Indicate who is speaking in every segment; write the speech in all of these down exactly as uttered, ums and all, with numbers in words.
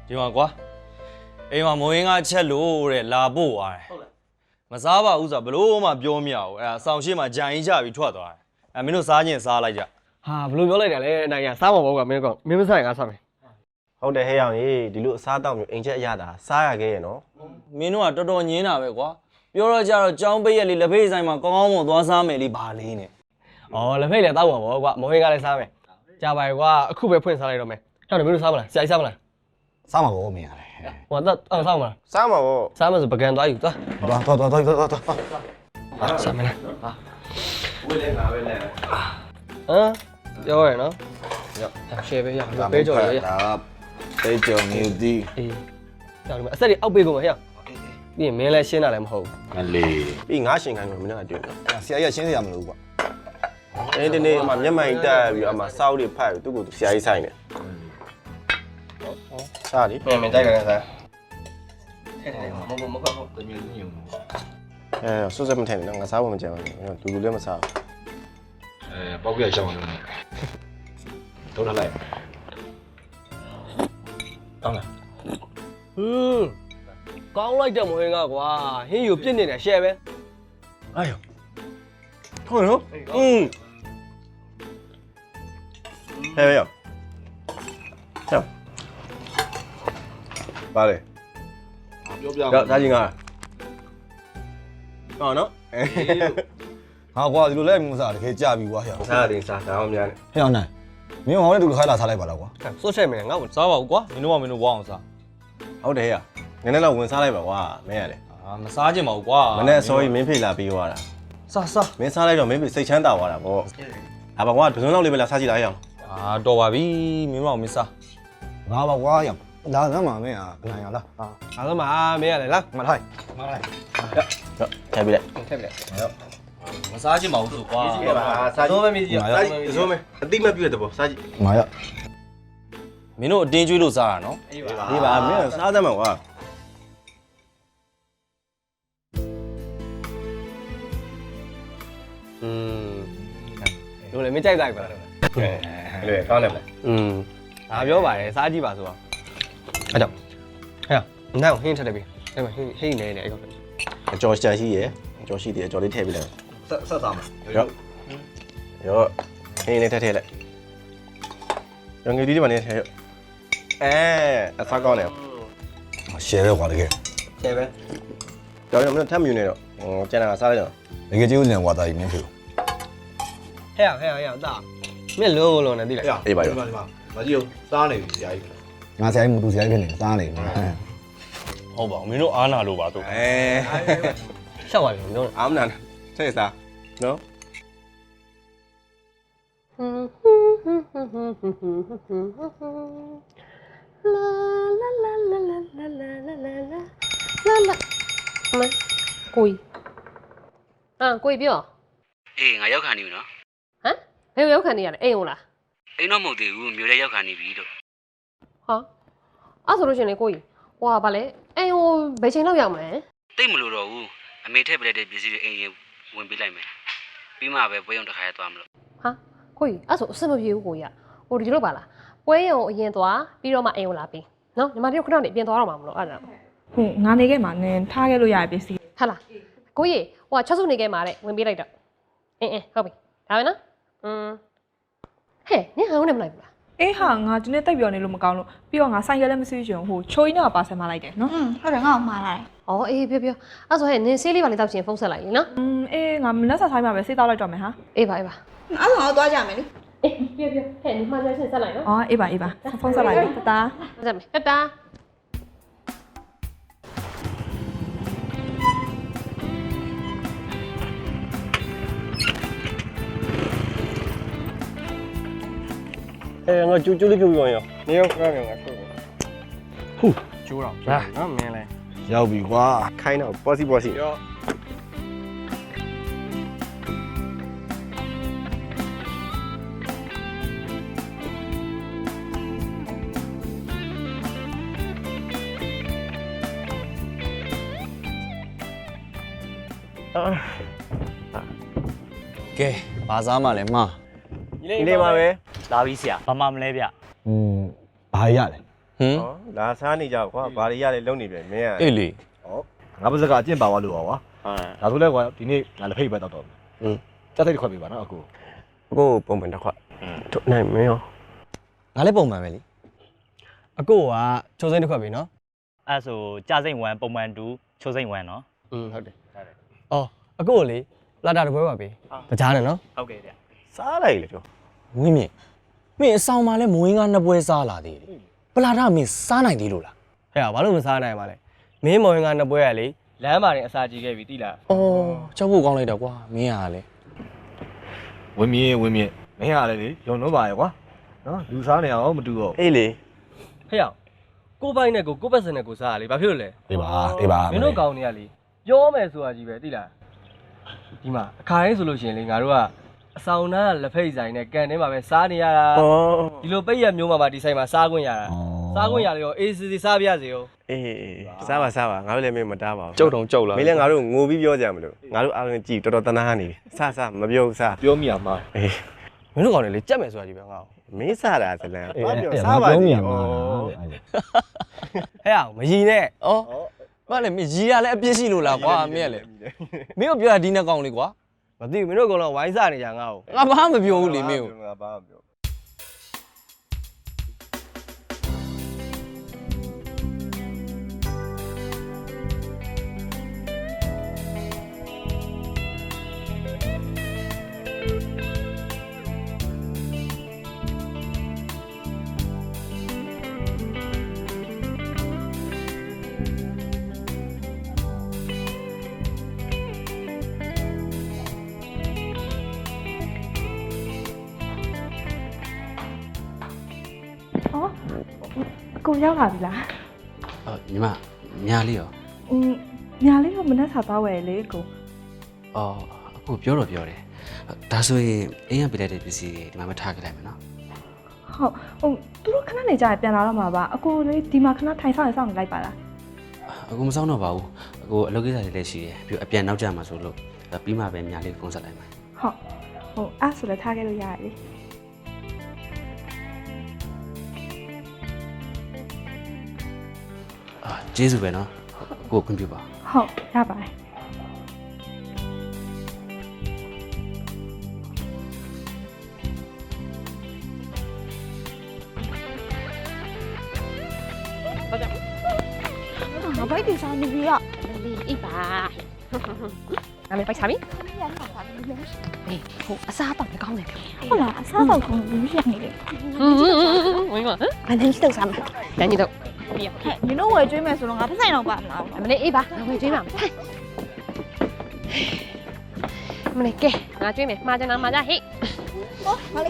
Speaker 1: ဒီမှာကွာအိမ်မှာမိုးရင်းကချက်လို့တဲ့လာပို့သွားတယ်ဟုတ်လားမစားပါဘူးဆိုဘလို့မှပြောမရဘူးအဲ့ဒါဆောင်းရှိမှဂျန်ကြီးကြပြီးထွက်သွားတယ်အဲ့မင်းတို့စားခြင်းစားလိုက်ကြဟာဘလို့ပြောလိုက်တယ်လဲအနိုင်ရစားမှာပေါ့ကွာမင်းကောင်မင်းမစားရင်ငါစားမယ်
Speaker 2: ဟုတ်တယ်ဟဲ့အောင်ကြီးဒီလိုအစားတောက်မျိုးအိမ်ချက်အရတာစားရခဲ့ရနော်
Speaker 1: မင်းတို့ကတော်တော်ညင်းတာပဲကွာပြောတော့ကြတော့ကြောင်းပိတ်ရက်လေးလက်ဖေးဆိုင်မှာကောင်းကောင်းမွန်သွားစားမယ်လေးဘာလေးနဲ့ဩလက်ဖေးလည်းတောက်ပါဘောကွာမိုးရင်းကလည်းစားမယ်ကြာပါရဲ့ကွာအခုပဲဖွင့်စားလိုက်တော့မယ်ဟဲ့မင်းတို့စားမလားဆရာကြီးစားမလား
Speaker 3: စားမှာပေါ့မင်းရတယ်
Speaker 1: ဟိုတော့အောင်စားမလား
Speaker 2: စားမှာပေါ့
Speaker 1: စားမယ်ဆိုပကံသွားယူသွား
Speaker 3: သွားသွားသွားသွားသွားသွား
Speaker 1: စားမယ်လားဟာ
Speaker 2: ဝေးလဲငါပဲလဲ
Speaker 1: ဟမ်ပြောရနော်ရောက်ရှယ်ပဲရောက်ပေးကြော်ရရ
Speaker 3: ဒါပေးကြော်မျိုးဒီ
Speaker 1: အေးကြော်ဒီမှာအဆက်တွေအောက်ပေးကုန်မှာဟဲ့ပြီးရင်မင်းလည်းရှင်းတာလည်းမဟုတ်ဘူး
Speaker 3: မလေး
Speaker 2: ပြီးငါရှင်ခိုင်းလို့မင်းကတွေ့တယ်
Speaker 3: ဆရာကြီးရှင်းစရာမလိုဘူးကွာ
Speaker 2: အဲ့ဒီနေ့အမမျက်မှန်တက်ပြီးအမစောက်တွေဖတ်ပြီးသူ့ကိုဆရာကြီးဆိုင်တယ်စားလေ
Speaker 1: မင်းတိုက်ကြတယ်စားထဲတယ်မဟုတ်မဟုတ်တမျိုးညုံ
Speaker 2: အဲဆွတ်စက်မထဲနဲ့ငါစားဖို့မကြံဘူးလူလူလည်းမစား
Speaker 3: အဲပေါက်ပြရှောင်းအောင်လုပ်နေတော့ထားလိုက်
Speaker 1: ကောင်းလားဟူးကောင်းလိုက်တဲ့မိုးဟင်းကကွာဟင်းယူပြစ်နေတယ်ရှယ်ပဲ
Speaker 2: အေးဟုတ်နော်อืมဟဲ့ရောဟဲ့ပါလေ
Speaker 3: ပြောပြ
Speaker 2: တော့ဒါကြီးငါဟောနော်
Speaker 3: ဟာကွာဒီလိုလဲမစားတကယ်ကြပြီကွာဟဲ့
Speaker 2: စားတယ်စားဒါမှမများနဲ့
Speaker 3: ဟဲ့အောင်နိုင်မင်းဟောင်းနဲ့တူခိုင်းလာစားလိုက်ပါလားကွာ
Speaker 1: စွတ်ချက်မယ်ငါ့ကိုစားပါဘူးကွာမင်းတို့ကမင်းတို့ဝအောင်စား
Speaker 2: ဟုတ်တယ်ဟဲ့နည်းနည်းတော့ဝင်စားလိုက်ပါကွာမင်းရတယ်
Speaker 1: အာမစားချင်ပါဘူးကွာ
Speaker 2: မနေ့အစောကြီးမင်းဖေးလာပြီးသွားတာ
Speaker 1: စားစား
Speaker 2: မင်းစားလိုက်တော့မင်းဖေးစိတ်ချမ်းသာသွားတာပေါ့ဟာပါကွာဒဇွန်းလောက်လေးပဲလာစားကြည့်လိုက်အောင်
Speaker 1: အာတော်ပါပြီမင်းမအောင်မစား
Speaker 3: ငါပါကွာရလာစမ်းပါမင်းอ่ะဘယ်နိုင်ရလား
Speaker 1: ဟာအားလုံးပါမင်းရတယ်လား
Speaker 3: မလိုက်မလိုက်
Speaker 2: ဟုတ်ထည့်ပြလိုက်
Speaker 1: ထည့်ပြလိုက်ဟုတ်မစားချင်ပါဘူးဆိုကွာ
Speaker 2: ကြည့်ပါစားကြည့်
Speaker 1: မင်းကြီး
Speaker 2: စားကြည့်ဒဇွန်းမအတိမပြည့်တဲ့ပေါ့စားကြည့်
Speaker 3: ငါရ
Speaker 1: မင်းတို့အတင်းကျွေးလို့စားတာနော်
Speaker 2: အေးပါအေးပါမင်းစားသမ်းပါကွာ
Speaker 1: อืมတို့လည်းမကြိုက်ကြိုက်ပါလား
Speaker 2: ကဲလေကောင်းတယ်မလား
Speaker 1: อืมဒါပြောပါတယ်စားကြည့်ပါဆိုတော့အဲ့တော့ဟဲ့နောက်ဟင်းထည့်တယ်ပြီအဲ့မှာဟင်းဟင်းနေနေအဲ့ကောင်
Speaker 2: အကျော်ရှာရှိရယ်အကျော်ရှိတယ်အကျော်လေးထည့်ပေးလိုက်
Speaker 3: ဆက်ဆက်စားမှာ
Speaker 2: ရောရောဟင်းလေးထည့်ထည့်လိုက်ရောငယ်လေးတွေမနေထည့်အဲအစားကောင်းတယ်
Speaker 3: ရှယ်ပဲကွာတကယ်
Speaker 1: ရှယ်ပဲ
Speaker 2: ကြောင်ရမလို့ထပ်မြူနေတော့ဟိုကျန်တာကစားလိုက်တော့
Speaker 3: တကယ်ကျေးဇူးတင်ကွာတာကြီးမင်းဖေ
Speaker 1: ဟဲ့ဟဲ့ဟဲ့ဟဲ့တာမင်းလုံးလုံးနဲ့တိလိုက်
Speaker 2: အေးပါရော
Speaker 3: မကြီးကိုစားနေပြီဆရာကြီးငါဆရာကြီးမတူဆရာကြီးဖြစ်နေစားနေပြီ
Speaker 1: ဟုတ်ပါဘူးမင်းတို့အားနာလို့ပါတို့
Speaker 2: အဲ
Speaker 1: ရှောက်ပါပြီမင်းတို့
Speaker 2: အားမနာဆက်စားနော်
Speaker 4: လာလာလာလာလာလာလာလာလာလာလာမကိုကြီးအာကိုကြီးပြော
Speaker 5: အေးငါရောက်ခံနေပြီနော်
Speaker 4: ဟမ်ဘယ်ရောက်ခံနေရလဲအိမ်ဟုတ်လား
Speaker 5: အိမ်တော့မဟုတ်သေးဘူးမြို့ထဲရောက်ခံနေပြီလို့
Speaker 4: ဟာအဲ့ဆိုလို့ရှင်လေကိုကြီးဟွာဗာလဲအိမ်ဟိုဘယ်ချိန်လောက်ရောက်မလဲ
Speaker 5: တိတ်မလို့တော့ဘူးအမေထည့်ပလိုက်တဲ့ပစ္စည်းတွေအိမ်ရင်ဝင်ပေးလိုက်မယ်ပြီးမှပဲပွဲရုံတစ်ခါရသွားမလို့
Speaker 4: ဟာကိုကြီးအဲ့ဆိုအဆင်မပြေဘူးကိုကြီးကဟိုဒီလိုပါလားပွဲရုံအရင်သွားပြီးတော့မှအိမ်ကိုလာပြီးနော်ညီမတို့ခဏနေအပြင်သွားတော့မှာမလို့အဲ့ဒါ
Speaker 6: ဟုတ်ငါနေခဲ့မှာနင်ထားခဲ့လို့ရပစ္စည်း
Speaker 4: ဟာလားကိုကြီးဟိုချက်စုနေခဲ့မှာတဲ့ဝင်ပေးလိုက်တော့အင်းအင်းဟုတ်ပြီဒါပဲနော်อืมဟဲ့နင်ဟောင်းနေမလိုက်ဘူးလား
Speaker 6: အေးဟာငါဒီနေ့တိတ်ပြောနေလို့မကောင်းလို့ပြီးတော့ငါဆိုင်ကလည်းမစီးချင်ဟိုချိုးကြီးနဲ့ပါဆယ်မလိုက်တယ်နော်
Speaker 7: อืมဟုတ်တယ်ငါ့ကိုမှားလာတယ်
Speaker 4: ဩအေးပြောပြောအဲ့ဆိုဟဲ့နင်ဆေးလေးပါလေးတောက်ချင်ဖုန်းဆက်လိုက်လေနော်
Speaker 6: อืมအေးငါမလက်ဆက်ဆိုင်မှာပဲဆေးတောက်လိုက်တော့မယ်ဟာ
Speaker 4: အေးပါအေးပါ
Speaker 7: အဲ့ဒါတော့သွားကြမယ်လေ
Speaker 4: အေးပြောပြောဟဲ့နင်မှားကြချင်းဆက်လိုက်နော်
Speaker 6: အော်အေးပါအေးပါဖုန်းဆက်လိုက်တတာ
Speaker 4: ဆက်မယ်တတာ
Speaker 2: အဲငါကျူးကျူးလေးပြုတ်ပြောရင်နေရောခဏနေငါဆို
Speaker 3: ဟူး
Speaker 1: ကျိုးတော့ဟာနော်မင်းလဲ
Speaker 3: ရောက်ပြီကွာ
Speaker 2: ခိုင်းတော့ပေါ်စီပေါ်စီ
Speaker 1: ရောကဲဘာစားမှလဲမှာ
Speaker 2: ဒီလေးပါပဲ
Speaker 5: လာပြီဆရာဘာမှမလဲဗျ
Speaker 3: อืมဘာရလဲ
Speaker 1: ဟင်
Speaker 2: ဟောလာစားနေကြကွာဘာတွေရလဲလုံနေပြန်မင်းက
Speaker 1: အေးလေ
Speaker 3: ဟောငါပါစကအကျင့်ပါသွားလို့ပါကွာ
Speaker 2: ဟာ
Speaker 3: ဒါဆိုလဲကွာဒီနေ့ငါလက်ဖိတ်ပဲတောက်တော့
Speaker 2: อืม
Speaker 3: စက်စိတ်တစ်ခွက်ပေးပါနော်အကို
Speaker 2: ကိုပုံမှန်တစ်ခွက်ထုတ်နိုင်မင်းရော
Speaker 1: ငါလည်းပုံမှန်ပဲလေ
Speaker 8: အကိုကချိုးစိမ့်တစ်ခွက်ပြီနော်
Speaker 9: အဲ့ဆိုကြာစိမ့်ဝမ်ပုံမှန်တူချိုးစိမ့်ဝမ်နော်
Speaker 8: อืมဟုတ်တယ်အော်အကိုကိုလေလာတာတစ်ပွဲပါပြီတကြားနဲ့နော်
Speaker 9: ဟုတ်ကဲ့ဗျ
Speaker 2: စားလိုက်လေကျော်
Speaker 1: ဝင်းမြင့်မင်းအဆောင်မှာလဲမဝင်းကားနှစ်ပွဲစားလာသေးတယ်ပလာတာမင်းစားနိုင်သေးလို့လား
Speaker 8: ဟဲ့ဘာလို့မစားနိုင်ပါလဲမင်းမော်ရင်ကနှစ်ပွဲကလေလမ်းမှာတင်အစာကြီးခဲ့ပြီတိလား
Speaker 1: အော်ကြောက်ဖို့ကောင်းလိုက်တော့ကွာမင်းကလည်း
Speaker 3: ဝင်းမြင့်ဝင်းမြင့်မင်းကလည်းလေယုံလို့ပါရဲ့ကွာနော်လူစားနေအောင်မတူတော့
Speaker 2: အေးလေ
Speaker 8: ဟဲ့အောင်ကိုပိုင်နဲ့ကိုကိုပတ်စံနဲ့ကိုစားရလေဘာဖြစ်လို့လဲ
Speaker 3: ဒီပါဒီပါ
Speaker 8: မင်းတို့ကောင်းနေရလေပြောမယ်ဆိုတာကြီးပဲတိလားဒီမှာအခါတိုင်းဆိုလို့ရှိရင်လေငါတို့ကအဆောင်သားလက်ဖိတ်ဆိုင်နဲ့ကန်ထဲမှာပဲစားနေရတာ
Speaker 2: ဩ
Speaker 8: ဒီလိုပိတ်ရမျိုးမှာပါဒီဆိုင်မှာစားခွင့်ရတာစားခွင့်ရလေရောအေးစီစီစားပြရစေရော
Speaker 2: အေးစားပါစားပါငါတို့လည်းမင်းမတားပါဘူး
Speaker 1: ကြောက်တော့ကြောက်လာ
Speaker 2: မင်းလည်းငါတို့ငိုပြီးပြောကြမလို့ငါတို့အားလုံးကြည်တော်တော်တနာနေစားစားမပြောဘူးစား
Speaker 3: ပြောမိအောင်မှာ
Speaker 2: အေး
Speaker 8: မင်းတို့ကောင်းနေလေကြက်မယ်ဆိုတာကြီးပဲငါ့ကို
Speaker 2: မင်းစားတာဇလန်ဘာပြောစားပါစီဩ
Speaker 8: ဟဲ့အောင်မရီနဲ့
Speaker 1: အော်ဘာလဲမင်းရီရလဲအပြစ်ရှိလို့လားကွာမင်းကလည်းမင်းတို့ပြောတာဒီနှစ်ကောင်လေးကွာ
Speaker 8: မသိဘူးမင်းတို့ကတော့ဝိုင်းစားနေကြငါ့ကို
Speaker 1: ငါဘာမှမပြောဘူးလေမင်းကို
Speaker 2: ငါဘာမှမပြော
Speaker 6: အော်ကိုရောက်လာပြီလား
Speaker 5: အော်ညီမညာလေးရော
Speaker 6: อืมညာလေးတော့မနှက်စားသွားဝယ်လေကို
Speaker 5: အော်အခုပြောတော့ပြောတယ်ဒါဆိုရင်အိမ်ကပြလိုက်တဲ့ပစ္စည်းတွေဒီမှာမထားခဲ့လိုက်မယ်နော်
Speaker 6: ဟုတ်ဟိုသူတို့ခဏနေကြရင်ပြန်လာတော့မှာပါအကိုလေးဒီမှာခဏထိုင်ဆောင်ရင်ဆောင်နေလိုက်ပါလား
Speaker 5: အခုမဆောင်တော့ပါဘူးအခုအလုပ်ကိစ္စတွေလည်းရှိတယ်ပြီးအပြန်နောက်ကျမှာဆိုလို့ပြီးမှပဲညာလေးဖုန်းဆက်လိုက်မယ်
Speaker 6: ဟုတ်ဟိုအဲ့ဆိုလည်းထားခဲ့လို့ရတယ်လေ
Speaker 5: အာကျေးဇူးပဲနော်ကိုခွင့်ပြုပါ
Speaker 6: ဟုတ်ရပါတယ်
Speaker 7: ငါဘိုက်တင်စားနေပြီอ่ะ
Speaker 4: အေးပါငါလည်းပိုက်စားပြီအေးဟိုအစားတော့မကောင်းတယ်
Speaker 7: ဟုတ်လားအစားတော့ကောင်းဘူးရနေတယ်
Speaker 4: ဝင်းမဟမ်ဘာနဲ့ကြီးတော့စားမှာတန်းကြီးတော့ပြီးရ
Speaker 7: ဟဲ့ညီတို့ဝယ်ကျွေးမယ်ဆိုတော့ငါတစ်ဆိုင်တော့ပါမလား
Speaker 4: အမလေးအေးပါငါဝင်ကျွေးပါမယ်အမလေးကဲငါကျွေးမယ်မှားကြနာမှားကြဟေ့
Speaker 7: ဟောမလေး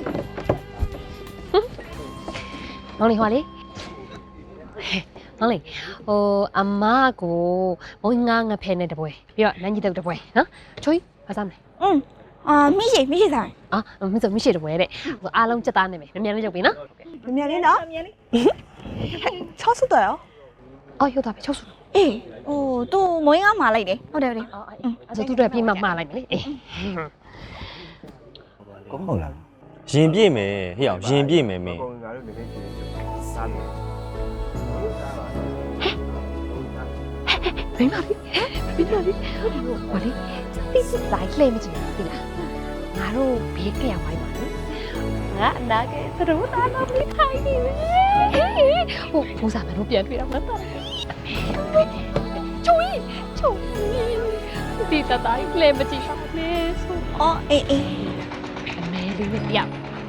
Speaker 4: မောင်လေးဟောလေးမောင်လေးဟိုအမကိုဘုံငါငါဖဲနဲ့တပွဲပြီးတော့နန်းကြီးတော့တပွဲနော်ချွေးဘာစားမလဲ
Speaker 7: อืมအာမိရှိမိရှိစား
Speaker 4: အာမင်းဆိုမရှိတပွဲတဲ့ဟိုအားလုံးချက်သားနေမယ်မြန်မြန်လေးလုပ်ပြီနော်
Speaker 7: မြင်လေးနော်မြင်လေးချောဆုတော့ရော
Speaker 4: အော်ရုပ်သားပဲချုပ်စု
Speaker 7: အေးဟိုသူမွေးငါမှာလိုက်တယ်ဟုတ်တယ်ဟုတ်တယ်
Speaker 4: အော်အဲ့ဆိုသူတို့ပြေးမှမှားလိုက်မယ်လေအေး
Speaker 3: ဟုတ်လား
Speaker 1: ရင်ပြည့်မယ်ဟေ့အောင်ရင်ပြည့်မယ်မင်း
Speaker 2: ငါတို့လည်းစားနေ
Speaker 4: ဘယ်မှာပြီပြီးတော့လေဟိုလေတိတိလိုက်လှည့်မကြည့်ဘူးလားငါတို့ဘေးကရဝိုင်းပါလေငါအနာကသတို့သားတော့ပြီးခိုင်းနေပြီဟိုဘိုးစားမတို့ပြန်တွေ့တော့မတော့ချွေးချွေးဒီတတိုင်းလှည့်မကြည့်ပါနဲ့ဆို
Speaker 7: အော်အေးအေး
Speaker 4: အမဲလေးနဲ့ပြောက်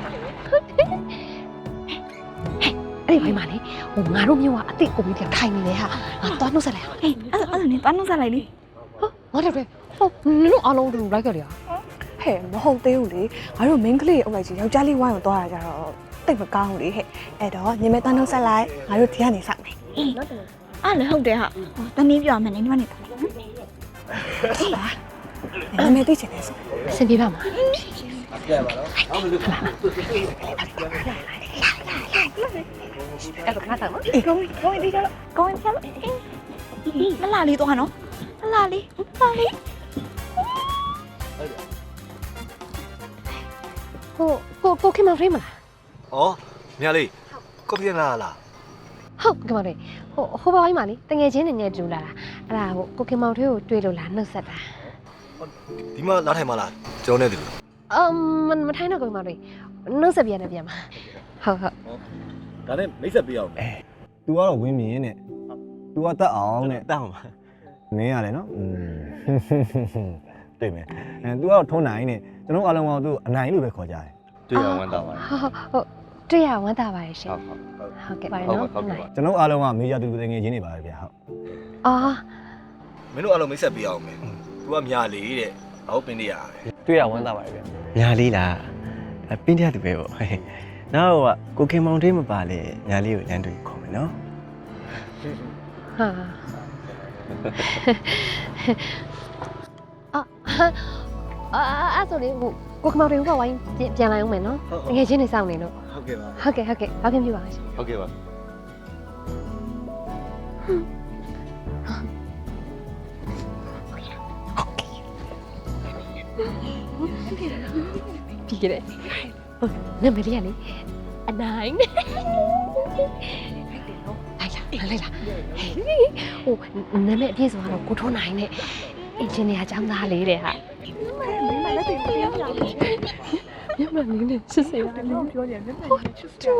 Speaker 4: အဲ့ဒီဘိုင်းမှာလေဟိုငါတို့မျိုးကအစ်စ်ကိုပြီးပြန်ခိုင်းနေလေဟာငါသွားနှုတ်ဆက်လိုက်အောင်
Speaker 7: အေးအဲ့ဒါအဲ့ဒါနဲ့တွားနှုတ်ဆက်လိုက်လေ
Speaker 4: ဟာငါတို့တွေဟိုနင်တို့အားလုံးတူလိုက်ကြလေဟာ
Speaker 6: ဟဲ့မဟုတ်သေးဘူးလေငါတို့ main ကလေးအုပ်လိုက်ကြီးယောက်ျားလေးဝိုင်းကိုသွားရကြတော့တိတ်မကောင်းဘူးလေဟဲ့အဲ့တော့ညီမတန်းနှုတ်ဆက်လိုက်ငါတို့ဒီကနေစမယ်
Speaker 7: အေးအဲ့လည်းဟုတ်တယ်ဟာတနည်းပြောမယ်နေဒီမှာနေတာလေ
Speaker 6: အေးပါညီမသိချင်တယ်ဆို
Speaker 4: အဆင်ပြေပါမလား အဲ့တော့ခါတော့
Speaker 7: အေးကောင်းကောင်းဒီကြတော့ကောင်းပြန်အေးမလာလေးတော့နော်မလာလေးမလာလေး
Speaker 4: ကိုကိုကိုခင်မဖရိမလား
Speaker 3: ဩမြလေးကော်ဖီလာလား
Speaker 4: ဟုတ်ကဲ့မောင်လေးဟိုဟိုဘဝိုင်းမှာလေတငယ်ချင်းတွေနဲ့တူလာတာအဲ့ဒါဟိုကိုကင်မောင်ထွေးကိုတွေ့လို့လားနှုတ်ဆက်တာ
Speaker 3: ဒီမှာလာထိုင်မလားကျွန်တော်နဲ့တူလို့
Speaker 4: အမ်မထိုင်တော့ကိုမောင်လေးနှုတ်ဆက်ပြန်နေပြန်ပါဟုတ်ဟုတ်
Speaker 3: ဒါနဲ့မိတ်ဆက်ပေးအောင်မယ်
Speaker 10: तू ကတော့ဝင်းမြင်နဲ့ तू ကတတ်အောင်နဲ့
Speaker 2: တတ်အောင်ပါ
Speaker 10: မင်းရတယ်နော်อืมတွေ့မယ်အဲ तू ကတော့ထုံးနိုင်နဲ့ကျွန်တော်အားလုံးကသူ့အနိုင်လို့ပဲခေါ်ကြတယ်
Speaker 2: တွေ့ရဝမ်းသာပါတယ်
Speaker 4: ဟုတ်ဟုတ်တွေ့ရဝမ်းသာပါတယ်ရှင်
Speaker 2: ဟုတ်ဟုတ်
Speaker 4: ဟုတ်ကဲ့ပါ
Speaker 2: ဟုတ်
Speaker 4: နော်
Speaker 2: ဟုတ်ကဲ့ပါ
Speaker 10: ကျွန်တော်အားလုံးကမေးရတူတူတငယ်ချင်းတွေပါပဲဗျာဟုတ်
Speaker 4: အော်
Speaker 3: မင်းတို့အားလုံးမိတ်ဆက်ပေးအောင်မယ် तू ကမြာလေးတဲ့အောက်ပင်နေရတယ်
Speaker 8: တွေ့ရဝမ်းသာပါတယ်ဗျ
Speaker 2: ညာလေးလားအပင်းတဲ့သူပဲပေါ့နောက်ကကိုခင်မောင်ထွေးမပါလေညာလေးကိုလမ်းတွေ့ခေါ်မယ်နော်
Speaker 4: ဟာအာအာအဲ့ဆိုလေဟိုကိုကမောင်တွေကဝိုင်းပြန်လာအောင်မယ်နော်တကယ်ချင်းနေစောင့်နေလို့
Speaker 3: ဟုတ်ကဲ့ပါ
Speaker 4: ဟုတ်ကဲ့ဟုတ်ကဲ့ဘာဖြစ်ပြပါရှင်
Speaker 2: ဟုတ်ကဲ့ပါ
Speaker 4: ပြီးကြတယ်ဟုတ်နမလေးကလေအနိုင်လိုက်လာလိုက်လာဟိုနာမည်အပြည့်စုံကတော့ကိုထိုးနိုင်နဲ့အင်ဂျင်နီယာကျောင်းသားလေးတဲ့ဟာမမလည်းသိတယ်ပြောပြညမလေးနဲ့စစ်စစ်ရတယ်လို့ပြောတယ်ညမလေးချစ်တယ်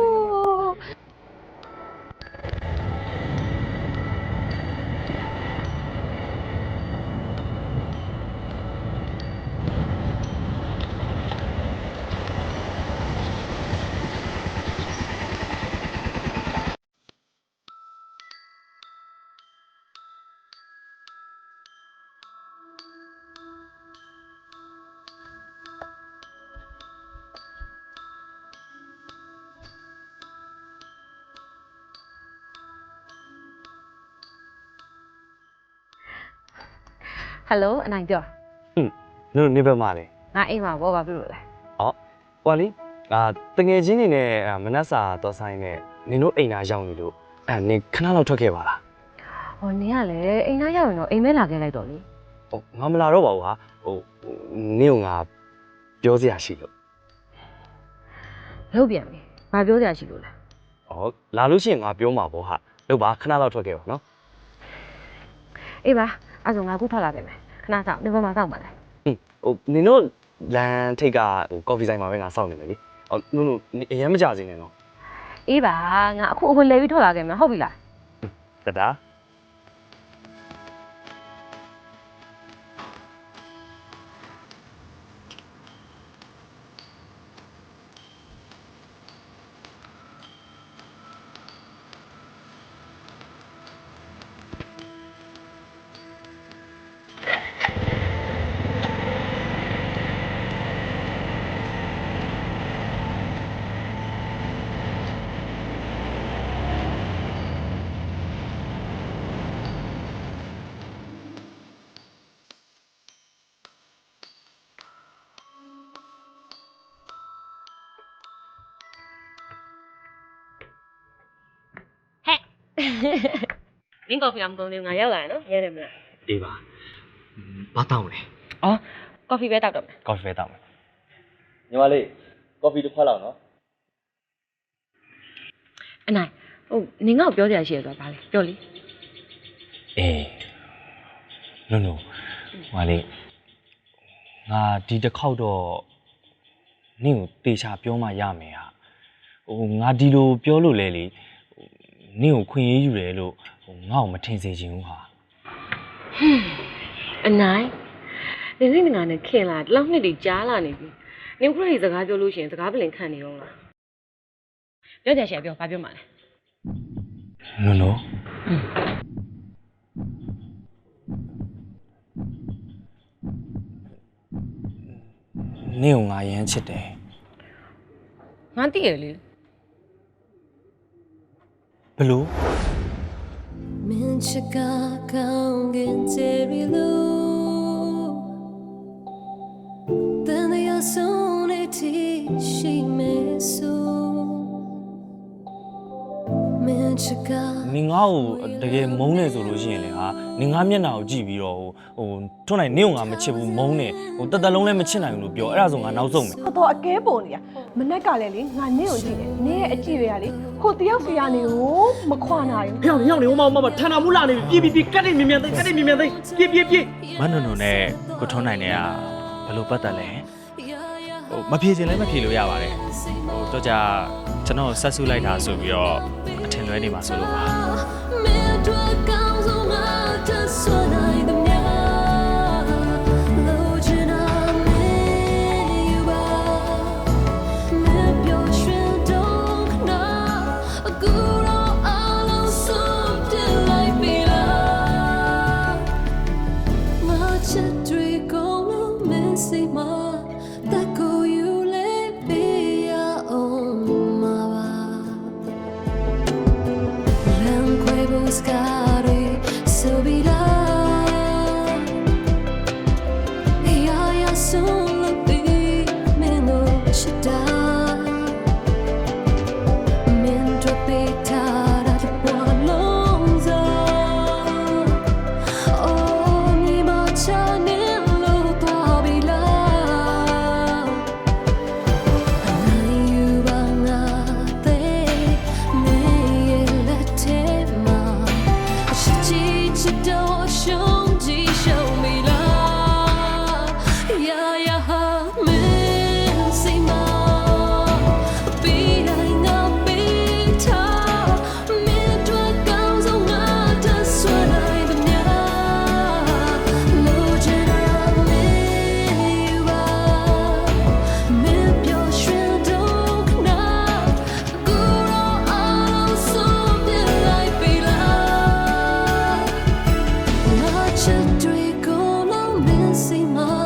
Speaker 4: ဟယ်လိုအနိုင်ပြော
Speaker 1: နင်နေဘက်မှာလေ
Speaker 4: ငါအိမ်မှာဘောပါပြုလို့လဲ
Speaker 1: ဟိုကလေအာတငယ်ချင်းတွေနဲ့မနက်စာတော့ဆိုင်နဲ့နင်တို့အိမ်သားရောက်နေလို့အဲနင်ခဏလောက်ထွက်ခဲ့ပါလား
Speaker 4: ဟောနင်ကလည်းအိမ်သားရောက်ရင်တော့အိမ်မဲလာခဲ့လိုက်တော့လေ
Speaker 1: ဟုတ်ငါမလာတော့ပါဘူးဟာဟိုနင်ကငါပြောစရာရှိလို့
Speaker 4: လုပ်ပြန်ပြီငါပြောစရာရှိလို့လား
Speaker 1: ဟောလာလို့ရှိရင်ငါပြောမှာပေါ့ဟာလို့ပါခဏလောက်ထွက်ခဲ့ပါနော်
Speaker 4: အေးပါအဲ့ဆိုငါခုထွက်လာတယ်မယ်ခဏစောင့်ဒီဘက်မှာစောင့်ပါလား
Speaker 1: ဟင်းဟိုနင်တို့လမ်းထိပ်ကဟိုကော်ဖီဆိုင်မှာပဲငါစောင့်နေမယ်လေဟောနင်တို့အရင်မကြစင်းနဲ့နော်
Speaker 4: အေးပါငါအခုအဝင်လဲပြီးထွက်လာခဲ့မယ်ဟုတ်ပြီလား
Speaker 1: တတာ
Speaker 4: မင်းကော်ဖီအောင်သုံးလေးငါရောက်လာရနော်ရဲတယ်မလား
Speaker 1: အေးပါဘာတောင်းလဲ
Speaker 4: အော်ကော်ဖီပဲတောက်တော့မယ်
Speaker 1: ကော်ဖီပဲတောင်းမယ်ညီမလေးကော်ဖီတစ်ခွက်လောက်နော်
Speaker 4: အနိုင်ဟိုနင်ငါ့ကိုပြောစရာရှိရဆိုတာဗာလေပြောလေ
Speaker 1: အေးနုံနုံဟာလေငါဒီတစ်ခေါက်တော့နင့်ကိုတေချာပြောမှရမယ်ဟာဟိုငါဒီလိုပြောလို့လဲလေနင့်ကိုခွင့်ရေးယူတယ်လို့ဟိုငါ့ကိုမထင်စေချင်ဘူးဟာ
Speaker 4: အနိုင်နင်စိတ်ငါနဲ့ခင်လာဒီလောက်နှစ်တည်းကြားလာနေပြီနင်ခုနကစကားပြောလို့ရှိရင်စကားပလင်ခံနေတော့လားပြောကြရှယ်ပြောဘာပြောမှလဲ
Speaker 1: နုံနုံနင့်ကိုငါရမ်းချစ်တယ်
Speaker 4: ငါသိရလေ
Speaker 1: ဘလို့
Speaker 11: မင်းချစ်ကကောင်းကင်ကျေရီလို့တန်ရဆုံးနေတီရှိမဲဆိုမင်း
Speaker 1: နင်ငါ့ကိုတကယ်မုန်းနေဆိုလို့ရှိရင်လေဟာနင်ငါမျက်နှာကိုကြည့်ပြီးတော့ဟိုထွန်းနိုင်နင့်ကိုငါမချစ်ဘူးမုန်းနေဟိုတသက်လုံးလည်းမချစ်နိုင်ဘူးလို့ပြောအဲ့ဒါဆိုငါနောက်ဆုံးမယ်
Speaker 6: တော်တော်အကဲပုံနေရမနက်ကလည်းလေငါနင့်ကိုကြည့်တယ်နင့်ရဲ့အကြည့်တွေကလေဟိုတယောက်စီကနေကိုမခွာနိုင်ဘူး
Speaker 8: ဖျောင်းနေရောက်နေဟိုမှာဟိုမှာထန်တာမူလာနေပြီပြေးပြေးကတ်နေမြင်မြန်သိကတ်နေမြင်မြန်သိပြေးပြေးပြေး
Speaker 9: မနုံနုံနဲ့ကိုထွန်းနိုင်နဲ့ကဘယ်လိုပတ်သက်လဲဟိုမဖြေချင်လည်းမဖြေလို့ရပါတယ်ဟိုတော့ကြာကျွန်တော်ဆက်ဆုလိုက်တာဆိုပြီးတော့အထင်လွဲနေမှာဆိုလို့ပါ
Speaker 11: Dream, go long, missing my